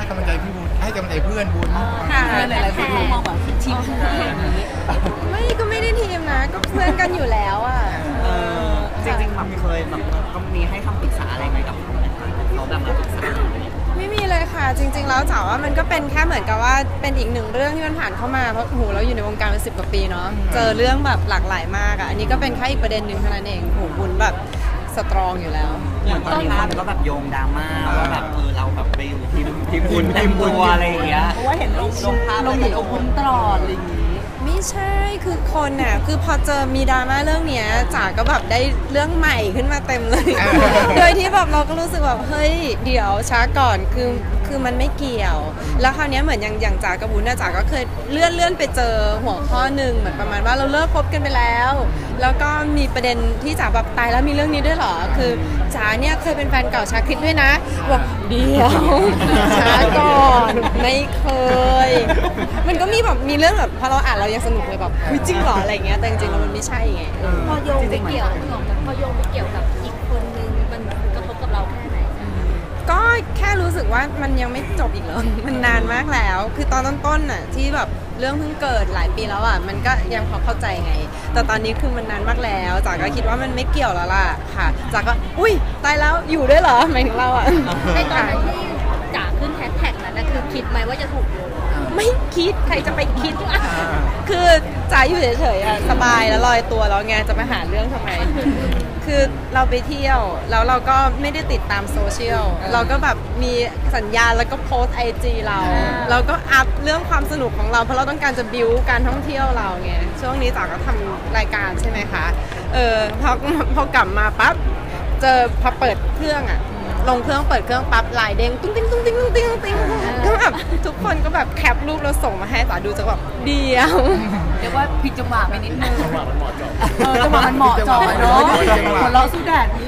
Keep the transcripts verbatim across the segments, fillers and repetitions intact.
กำลังใจพี่บุญให้กำลังใจเพื่อนบุญค่ะหลายๆคนมองแบบทีมอย่างนี้ไม่ก็ไม่ได้ทีมนะก็เพื่อนกันอยู่แล้วอ่ะจริงๆแบบเคยแบบก็มีให้คำปรึกษาอะไรไหมกับเขาไหมคะเขาแบบมาปรึกษาไม่มีเลยค่ะจริงๆแล้วจ๋าว่ามันก็เป็นแค่เหมือนกับว่าเป็นอีกหนึ่งเรื่องที่มันผ่านเข้ามาเพราะโหเราอยู่ในวงการมาสิบกว่าปีเนาะเจอเรื่องแบบหลากหลายมากอ่ะอันนี้ก็เป็นแค่อีกประเด็นหนึ่งเท่านั้นเองโหบุญแบบสตรองอยู่แล้วอย่างตอนนี้คนก็แบบโยงดราม่าว่าแบบเออเราแบบไปอยู่ทีมทีมบุญทีมบุญอะไรอย่างเงี้ยเพราะว่าเห็นลงลงภาพลงอยู่กับบุญตลอดอะไรอย่างงี้ไม่ใช่คือคนน่ะคือพอเจอมีดราม่าเรื่องเนี้ยจ๋าก็แบบได้เรื่องใหม่ขึ้นมาเต็มเลยโดยที่แบบเราก็รู้สึกแบบเฮ้ยเดี๋ยวช้าก่อนคือคือมันไม่เกี่ยวแล้วคราวนี้เหมือนอย่างอย่างจ๋ากับบุญนะจ๋าก็เคยเลื่อนเลื่อนไปเจอหัวข้อหนึ่งเหมือนประมาณว่าเราเลิกคบกันไปแล้วแล้วก็มีประเด็นที่จ๋าแบบตายแล้วมีเรื่องนี้ด้วยเหรอคือจ๋าเนี่ยเคยเป็นแฟนเก่าชาคริสด้วยนะบอกเดี๋ยวช้าก่อนไม่เคยมันก็มีแบบมีเรื่องแบบพอเราอ่านเรายังสนุกเลยแบบจริงเหรออะไรเงี้ยแต่จริงๆแล้วมันไม่ใช่ไงพอโยงไปเกี่ยวพอโยงไปเกี่ยวกับอีกคนนึงมันกระทบกับเราแค่ไหนก็แค่รู้สึกว่ามันยังไม่จบอีกเลยมันนานมากแล้วคือตอนต้นๆน่ะที่แบบเรื่องเพิ่งเกิดหลายปีแล้วอ่ะมันก็ยังพอเข้าใจไงแต่ตอนนี้คือมันนานมากแล้วจ๋าก็คิดว่ามันไม่เกี่ยวแล้วล่ะค่ะจ๋าก็อุ้ยตายแล้วอยู่ด้วยเหรอหมายถึงเราอ่ะในตอนนั้นที่จ๋าขึ้นแฮชแท็กนั้นนะคือคิดไหมว่าจะถูกโยงไม่คิดใครจะไปคิดคือจ๋าอยู่เฉยๆอ่ะสบายแล้วลอยตัวแล้วไงจะมาหาเรื่องทำไมคือเราไปเที่ยวแล้วเราก็ไม่ได้ติดตามโซเชียลเราก็แบบมีสัญญาแล้วก็โพสไอจีเราเราก็อัพเรื่องความสนุกของเราเพราะเราต้องการจะบิวการท่องเที่ยวเราไงช่วงนี้จ๋าก็ทำรายการใช่ไหมคะเออพอพอกลับมาปั๊บเจอพอเปิดเครื่องอ่ะลงเครื่องเปิดเครื่องปั๊บลายเด้งตุ้งติ้งตุ้งติ้งตุ้งติ้งตุ้งติ้งก็แบบทุกคนก็แบบแคปรูปแล้วส่งมาให้จ๋าดูจะแบบเดียวเรียกว่าผิดจังหวะไปนิดนึงจังหวะมันเหมาะเจาะเออจังหวะมันเหมาะเจาะเนาะหัวเราะสู้แดดนี่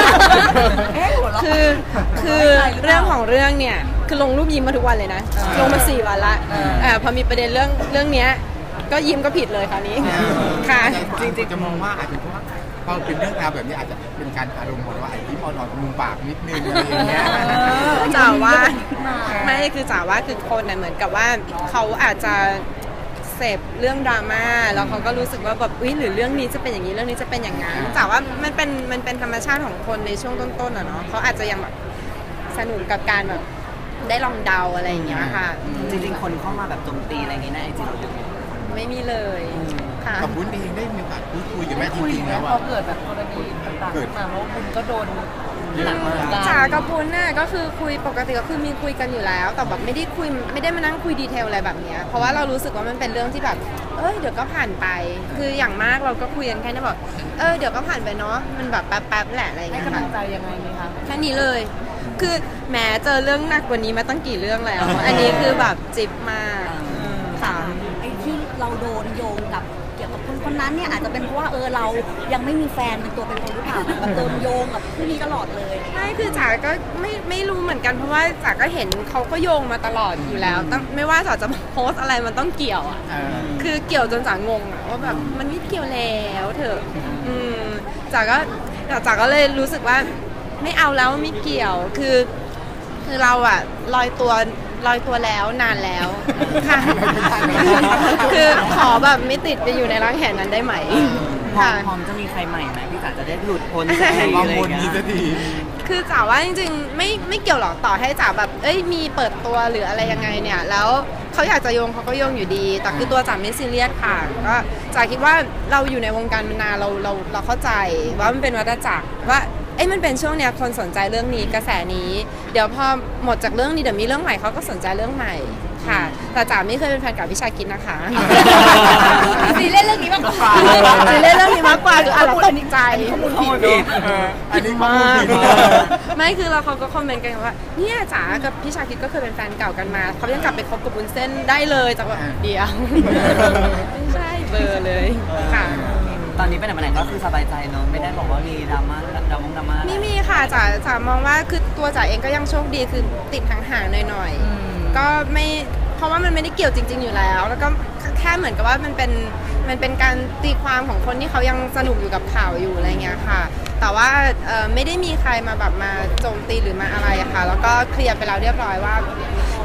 คือคือเรื่องของเรื่องเนี่ยคือลงรูปยิ้มมาทุกวันเลยนะลงมาสี่วันละอ่าพอมีประเด็นเรื่องเรื่องเนี้ยก็ยิ้มก็ผิดเลยคราวนี้ค่ะจริงๆจะมองว่าอาจจะเพราะว่าพอเป็นเรื่องราวแบบนี้อาจจะเป็นการอารมณ์ของว่าไอ้ที่มอนอนมุมปากนิดนึงอะไรอย่างเงี้ยจ๋าว่าไม่คือจ๋าว่าคือคนน่ะเหมือนกับว่าเขาอาจจะเสพเรื่องดราม่าแล้วเขาก็รู้สึกว่าแบบอุ้ยหรือเรื่องนี้จะเป็นอย่างนี้เรื่องนี้จะเป็นอย่างนั้นจ๋าว่ามันเป็นมันเป็นธรรมชาติของคนในช่วงต้นๆอ่ะเนาะเขาอาจจะยังแบบสนุกกับการแบบได้ลองเดาอะไรอย่างเงี้ยค่ะจริงๆคนเข้ามาแบบโจมตีอะไรอย่างงี้นะไอจีเราไม่มีเลยค่ะกับบุญเองได้มีโอกาสพูดคุยกับแม่จริงๆแล้วว่าพอเกิดแบบกรณีต่างๆมาเพราะบุญก็โดนหนักมากจ๋ากับบุญน่ะก็คือคุยปกติก็คือมีคุยกันอยู่แล้วแต่แบบไม่ได้คุยไม่ได้มานั่งคุยดีเทลอะไรแบบนี้เพราะว่าเรารู้สึกว่ามันเป็นเรื่องที่แบบเอ้ยเดี๋ยวก็ผ่านไปคืออย่างมากเราก็คุยกันแค่นี้บอกเออเดี๋ยวก็ผ่านไปเนาะมันแบบแป๊บๆแหละอะไรอย่างเงี้ยให้กำลังใจยังไงนี่คะแค่นี้เลยคือแม้เจอเรื่องหนักกว่านี้มาตั้งกี่เรื่องแล้วอันนี้คือแบบจิบมากค่ะไอ้ที่เราโดนโยงกับเกี่ยวกับคนคนนั้นเนี่ยอาจจะเป็นเพราะว่าเออเรายังไม่มีแฟนเป็นตัวเป็นตนหรือเปล่าแบบโดนโยงกับผู้นี้ตลอดเลยใช่คือจ๋าก็ไม่ไม่รู้เหมือนกันเพราะว่าจ๋าก็เห็นเขาก็โยงมาตลอดอยู่แล้วตั้งไม่ว่าจ๋าจะโพสอะไรมันต้องเกี่ยวอ่ะคือเกี่ยวจนจ๋างงอ่ะว่าแบบมันไม่เกี่ยวแล้วเถอะอืมจ๋าก็จ๋าก็เลยรู้สึกว่าไม่เอาแล้วไม่เกี่ยวคือคือเราอ่ะลอยตัวลอยตัวแล้วนานแล้วค่ะคือขอแบบไม่ติดไปอยู่ในร่างแหนั้นได้ไหมค่ะพร้อมจะมีใครใหม่ไหมพี่จ๋าจะได้หลุดพ้นจากอะไรอย่างเงี้ยคือจ๋าว่าจริงๆไม่ไม่เกี่ยวหรอกต่อให้จ๋าแบบเอ้ยมีเปิดตัวหรืออะไรยังไงเนี่ยแล้วเขาอยากจะโยงเขาก็โยงอยู่ดีแต่คือตัวจ๋าไม่ซีเรียสค่ะก็จ๋าคิดว่าเราอยู่ในวงการมานานเราเราเราเข้าใจว่ามันเป็นวัฏจักรว่าเอ้ยมันเป็นช่วงเนี้ยคนสนใจเรื่องนี้กระแสนี้เดี๋ยวพอหมดจากเรื่องนี้เดี๋ยวมีเรื่องใหม่เขาก็สนใจเรื่องใหม่ค่ะแต่จ๋าไม่เคยเป็นแฟนกับพี่ชาคิดนะคะซีเล่นเรื่องนี้มากกว่าซีเล่นเรื่องนี้มากกว่าคืออะไรตกใจข้อมูลผิดอันนี้มากไม่คือเราเขาก็คอมเมนต์กันว่าเนี่ยจ๋ากับพี่ชาคิดก็เคยเป็นแฟนเก่ากันมาเขายังกลับไปคบกับวุ้นเส้นได้เลยจากว่าเดียวไม่ใช่เบอร์เลยค่ะตอนนี้ไปไหนมาไหนก็คือสบายใจเนอะไม่ได้บอกว่ามีดราม่าดราม่าดราม่าไม่มีค่ะจ๋าจ๋ามองว่าคือตัวจ๋าเองก็ยังโชคดีคือติดห่างๆหน่อยๆก็ไม่เพราะว่ามันไม่ได้เกี่ยวจริงๆอยู่แล้วแล้วก็แค่เหมือนกับว่ามันเป็นมันเป็นการตีความของคนที่เขายังสนุกอยู่กับข่าวอยู่อะไรเงี้ยค่ะแต่ว่าไม่ได้มีใครมาแบบมาโจมตีหรือมาอะไรค่ะแล้วก็เคลียร์ไปแล้วเรียบร้อยว่า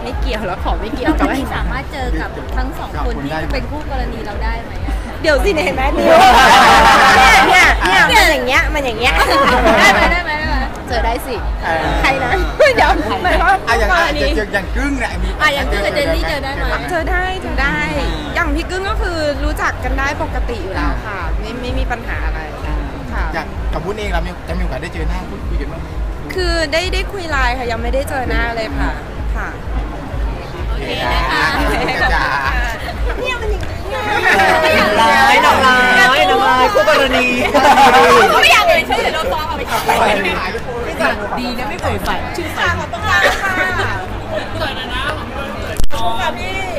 ไม่เกี่ยวแล้วขอไม่เกี่ยวกับเราไอ้สามารถเจอกับทั้งสองคนที่จะเป็นคู่กรณีเราได้ไหมอะเดี๋ยวสิเนี่ยเห็นไหมดิวเนี่ยเนี่ยเนี่ยมันอย่างเงี้ยมันอย่างเงี้ยได้ไหมได้ไหมได้ไหมเจอได้สิเออใครนะเดี๋ยวหมายความว่าอ่ะอย่างกอ่ะรอณีย่างอย่างกึ้งเนี่ยมีอ่ะอย่างกึ้งกับเจนนี่เจอได้ไหมเจอได้เจอได้ อย่างพี่กึ้งก็คือรู้จักกันได้ปกติอยู่แล้วค่ะ ไม่ไม่มีปัญหาอะไรค่ะอย่างกับวุ้นเองเรามีจะมีโอกาสได้เจอหน้าพูดคุยกันบ้างไหมคือได้ได้คุยไลน์ค่ะยังไม่ได้เจอหน้าเลยค่ะค่ะโอเคนะคะจ้าเนี่ยมันอย่างนี้ร้ายนางร้ายนางร้ายคู่กรณีเขาไม่อยากเลยช่วยเดี๋ยวเราซ้อมเอาไปก่อนดีนะไม่เอ่ยฝ่ายชื่อฝ่ายขอบคุณค่ะสวยนะนะขอบคุณค่ะพี่